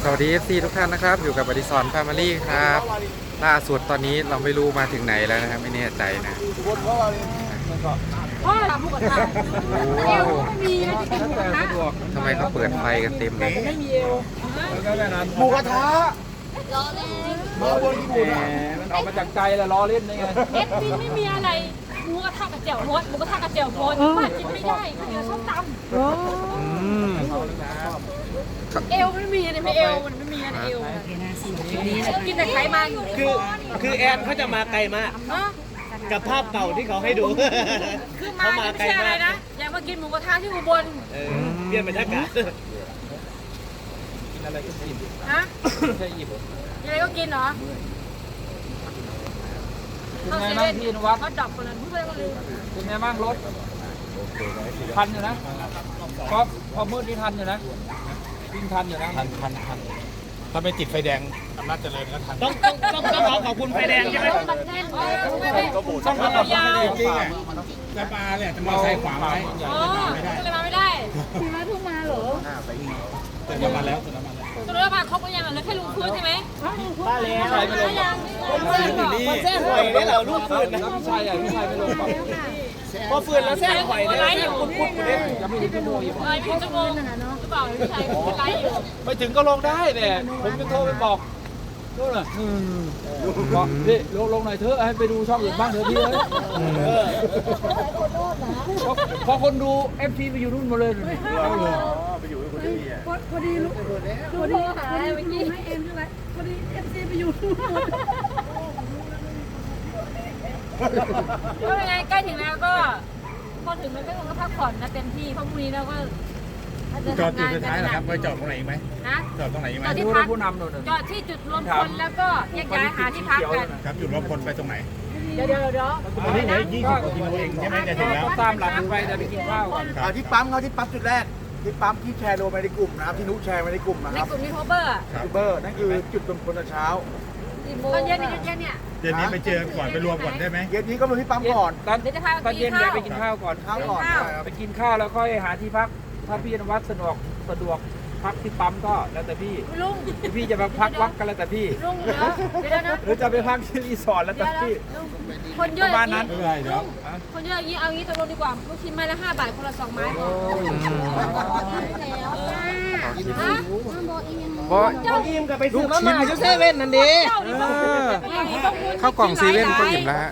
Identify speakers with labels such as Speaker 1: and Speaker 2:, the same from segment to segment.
Speaker 1: สวัสดี FC ทุกท่านนะครับอยู่กับอดิศรแฟมิลี่ครับล่าสุดตอนนี้เราไม่รู้มาถึงไหนแล้วนะครับไม่แน่ใจนะ
Speaker 2: พ่อทำหมูกระทะเอวไม่มีนะจะกินหมูกระทะ
Speaker 1: ทำไมเขาเปิดไฟกันเต็มเลย
Speaker 2: ไม่มีเอว
Speaker 3: หมูกระทะ
Speaker 2: ล้อเล่น
Speaker 3: มาบนญี่ปุ่นอ่ะ
Speaker 4: มันออกมาจากใจแล้วล้อเล่นได้ไง
Speaker 2: เอ็ดวินไม่มีอะไรหมูกระทะกับแจ่วฮดหมูกระทะกับแจ่วฮดป้ากินไม่ได้ข้าวเหนียวส้มตำ
Speaker 1: อืม
Speaker 2: เอวไม่มีเลยไม่เอวมันไม่มีอะไรเอวกินแต่ไขมัน
Speaker 3: คือแอนเขาจะมาไกลมาก
Speaker 2: ฮะ
Speaker 3: กับภาพเก่าที่เขาให้ดู
Speaker 2: คือมาไม่ใช่อะไรนะอยากมากินหมูกระทะที่อุบล
Speaker 3: เปลี่ยนบรรยากาศ
Speaker 4: กินอะไรก็กิน
Speaker 2: ฮะ
Speaker 4: ไม่ใช่อิ่ม
Speaker 2: ยังไงก็กินเหรอ
Speaker 4: เป็นไงบ้างพี่นวัด
Speaker 2: เขาดับคนนั้นพูดไปก็ลืม
Speaker 4: เป็นไงบ้างรถทันอยู่นะพอมืดนี่ทันอยู่นะวิ่งทันอยู่นะทัน
Speaker 5: ถ้าไม่ติดไฟแดงอำนาจเจริญก็ทัน
Speaker 3: ต้องขอบคุณไฟแดงใช่ไหม
Speaker 2: มันแน่นไม่ต้องขยาว
Speaker 5: จริงๆอ่ะจะมาเนี่ยจะมาใส่ขวาไว้
Speaker 2: อ๋อก็เลยมาไม่ได้
Speaker 5: แต่จะมาแล้ว
Speaker 2: ตัวเรามาครบหรือยังเหลือแค่ลุงพื้นใช่ไหม
Speaker 3: มาแล้ว
Speaker 4: ใช่ไม่ลง
Speaker 2: ยัง
Speaker 3: คนแซ่หอยได้เหรอลูกฟืนนะ
Speaker 4: พี่ชายอ่ะพี่ชายไม่ลงก่อน
Speaker 3: พอฟืนแล้วแซ่หอยได้
Speaker 2: ไลฟ์อยู่
Speaker 3: คุณพูดคุณเล่น
Speaker 4: ยังไม่ถึงชั่วโมงอยู่
Speaker 2: ไลฟ์อยู่ชั่วโมงหรือเปล่าพี่ชายไลฟ์อยู่
Speaker 4: ไม่ถึงก็ลงได้เนี่ยผมจะโทรไปบอกนู่นน่ะบอกพี่ลงหน่อยเถอะให้ไปดูช่องอื่นบ้างเถอะพี่เอ้ยพอคนดู FT ไปอยู่นู่นหมดเลยดูดิ
Speaker 6: พอดีลูกพอดีเมื่อกี้ให้เอ็มใช่ไหมพอดีเอฟซีไปอยู่นู่น
Speaker 2: ก็ยังไงใกล้ถึงแล้วก็พอถึงมันก็คงพักผ่อนนะเต็มที่เพราะพรุ่งนี้เราก็
Speaker 5: จอดจุดสุดท้ายนะครับไปจอดตรงไหนอีกไหม
Speaker 2: นะ
Speaker 5: จอดตรงไหนอีกไหม
Speaker 2: จอดที่
Speaker 4: ดู
Speaker 2: พั
Speaker 4: แล้
Speaker 2: ก
Speaker 4: วผู้นำนู่น
Speaker 2: จอดที่จุดรวมคนแล้วก็แยกย้ายหาที่พักกัน
Speaker 5: ครับอยู่รอบคนไปตรงไหน
Speaker 2: เดี๋ยว
Speaker 5: อันนี้เหลือ20 กว่ากิโลเองใช่ไหมจะถึงแล้ว
Speaker 4: ตามหลังไปจะไปกินข้าวก่อน
Speaker 3: ที่ปั๊มเขาที่ปั๊มจุดแรกที่ปั๊มที่แชร์ลงไปในกลุ่มนะครับที่นุแชร์ไปในกลุ่มนะ
Speaker 2: ใน
Speaker 3: ครับ
Speaker 2: กลุ่มยูทูบเบอร์
Speaker 3: ยูทูบเบอร์นั่นคือจุดรวมคนตอนเช้า
Speaker 2: ตอนเย็นเนี่ย
Speaker 5: เดี๋ยวนี้ไปเจอก่อนไปรวมก่อนได้ไหม
Speaker 3: เย็นนี้ก็ลงที่ปั๊มก่อน
Speaker 4: ตอนเย็นแกไปกินข้าวก่อน
Speaker 3: ข้าวก่อน
Speaker 4: ไปกินข้าวแล้วค่อยหาที่พัก ถ้าพี่นวัดสะดวกพักที่ปั๊มก็แล้วแต่พี่
Speaker 2: ลุง
Speaker 4: พี่จะมาพักวัดกันแล้วแต่พี่
Speaker 2: ลุงเดี๋ยวนะ
Speaker 4: หรือจะไปพักที่รีสอร์ทแล้วแต่พี่
Speaker 2: คนเยอะอย่างนี้
Speaker 5: ไม่เป็นไรเดี๋ยว
Speaker 2: คนเยอะอย่างนี้เอางี้ตกลงดีกว่าลูกชิ้นไม้ละ5 บาทคนละ2 ไม้พอฮะ
Speaker 1: เพราะ
Speaker 3: พออิ่มกับไปซื้อมาม่าอยู่เซเว่นนั่นดิ
Speaker 2: เจ้านี่ต้องพูด
Speaker 1: เข้ากล่องซีเว่นก็อิ่มแล้วฮะ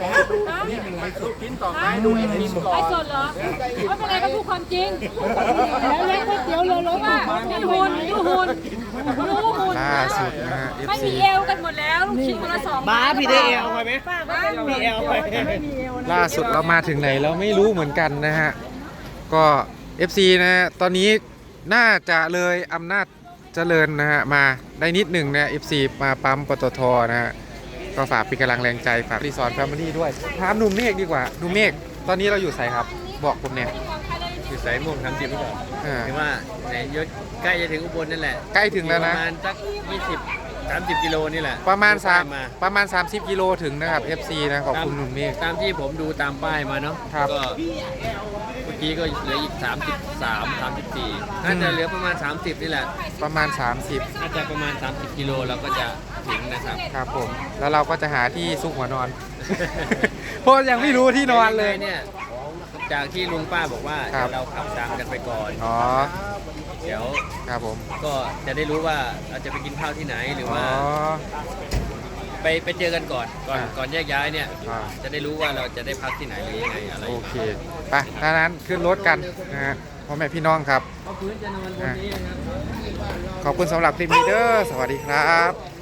Speaker 3: ดูไอ้นี่ก่อ
Speaker 2: ไอ้
Speaker 3: น
Speaker 2: สดเหรอไม่เป็นไรก็พูดความจริงแล้วเลี้ยงก๋วยเตี๋ยวเรือรถว่ามีหุ่นรู้หุ่น
Speaker 1: ล่าสุดนะฮะ
Speaker 2: ไม่
Speaker 1: FC
Speaker 2: มีเอวกันหมดแล้วลูกชิ้นคนละ2
Speaker 3: บ้าพี่ได้เอลไปไหมพี่เอลไป
Speaker 1: ล่าสุดเรามาถึงไหนเราไม่รู้เหมือนกันนะฮะก็ FC นะฮะตอนนี้น่าจะเลยอำนาจเจริญนะฮะมาได้นิดหนึ่งนะ FC มาปั๊มปตทนะฮะก็ฝากเป็นกำลังแรงใจฝากรีสอร์ทแฟมิลี่ด้วยถามหนุ่มเมฆดีกว่าหนุ่มเมฆตอนนี้เราอยู่ไสครับบอกผมเนี่ย
Speaker 7: อยู่สายม่วง30หรือเปล่า
Speaker 1: อ่า
Speaker 7: คือว่าในยศใกล้จะถึงอุบลนั่นแหละ
Speaker 1: ใกล้ถึงแล้วนะ
Speaker 7: ประมาณสัก20-30 กิโลนี่แหละ
Speaker 1: ประมาณ
Speaker 7: ดูป้ย
Speaker 1: ประมาณ30 กิโลถึงนะครับ FC นะขอบคุณหนุ่มเมฆ
Speaker 7: ตามที่ผมดูตามป้ายมาเนาะ
Speaker 1: ครับ
Speaker 7: ก็เมื่อกี้ก็เหลืออีก33 34น่าจะเหลือประมาณ 30 นี่แหละ
Speaker 1: ประมาณ
Speaker 7: น่าจะประมาณ 30 กิโลเราก็จะถึงนะครับ
Speaker 1: 30 ครับผมแล้วเราก็จะหาที่ซุกหัวนอน เพราะยังไม่รู้ที่นอนเลย
Speaker 7: เนี่ยจากที่ลุงป้าบอกว่า
Speaker 1: ครับ
Speaker 7: เดี๋ยวเราขับตามกันไปก่อน
Speaker 1: อ๋อ
Speaker 7: เดี๋ยว
Speaker 1: ครับผม
Speaker 7: ก็จะได้รู้ว่าเราจะไปกินข้าวที่ไหนหรือ
Speaker 1: อ๋อ
Speaker 7: ว่า ไปเจอกันก่อน
Speaker 1: อ่า
Speaker 7: ก่อนแยกย้ายเนี่ย
Speaker 1: อ่า
Speaker 7: จะได้รู้ว่าเราจะได้พักที่ไหนหรือยังไงอะไร
Speaker 1: โอเคไปดังนั้นขึ้นรถกันนะฮะพ่อแม่พี่น้องครับ
Speaker 7: เพราะพื้นจะนอนบนนี้นะครับ
Speaker 1: ขอบคุณสำหรับคลิปนี้เด้อสวัสดีครับ